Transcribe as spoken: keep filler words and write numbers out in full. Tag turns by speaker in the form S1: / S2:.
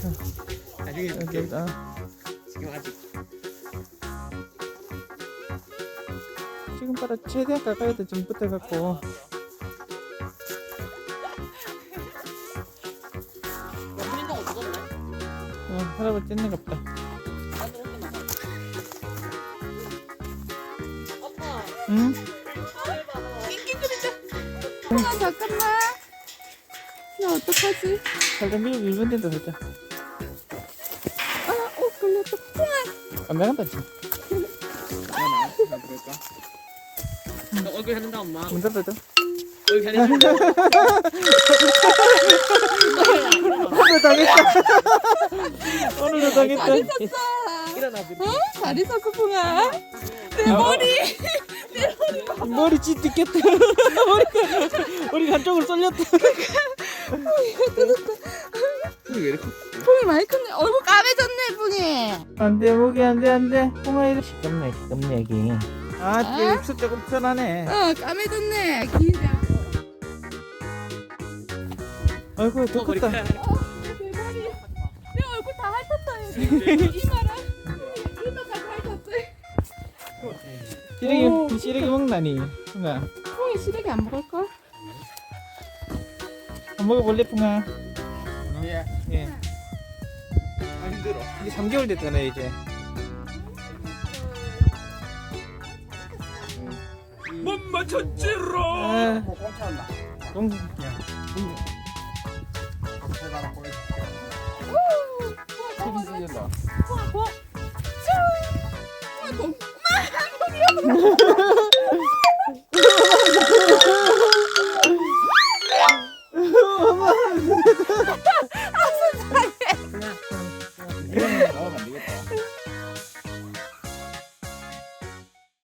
S1: 나중에
S2: 여기,
S1: 줄게.
S2: 어.
S1: 지금 아직.
S2: 지금 따라 최대한 가까이도 좀 붙어갖고.
S1: 훈인동 어디갔네?
S2: 어, 할아버지 찢는 것 같다.
S1: 나도 혼자 나가. 아빠.
S2: 응?
S3: 아, 잠깐만. 나 어떡하지?
S2: 살짝 밀고 일본 된다 살짝.
S3: 아, 어, 걸렸다. 풍아.
S2: 안 나간다 지금.
S1: 나 나와. 나 그럴까? 너 얼굴 해준다 엄마.
S2: 문 닫아줘.
S1: 얼굴 해준다.
S2: 오늘 당했다. 오늘도 당했다.
S3: 잘 있었어.
S1: 일어나.
S3: 어? 잘 있었어, 풍아. 내 머리.
S2: 머리 찢겼다. 머리가 머리 한쪽으로 쏠렸다.
S1: 왜 이렇게?
S3: 풍이 많이 컸네. 얼굴 까매졌네, 풍이.
S2: 안돼 목이 안돼 안돼. 홍아 이리 시끄럽네 시끄럽네 여기. 아 뒤에 입술 조금 편하네.
S3: 어, 까매졌네. 긴장.
S2: 아이고 더
S1: 어, 머리
S2: 컸다.
S1: 카-
S3: 어, 내 머리. 내 얼굴 다 핥았다, 여기. 이마랑. 이마까지 핥았지.
S2: 시래기 시래기 먹나니? 풍아
S3: 풍이 시래기 안 먹을걸?
S2: 안 먹어볼래 풍아?
S1: 예.
S2: 예.
S1: 아 힘들어.
S2: 이제 삼 개월 됐잖아 이제.
S1: 못 맞췄지로.
S2: 아,
S1: 뭐 꽁쳤나?
S2: 동, 야, 동,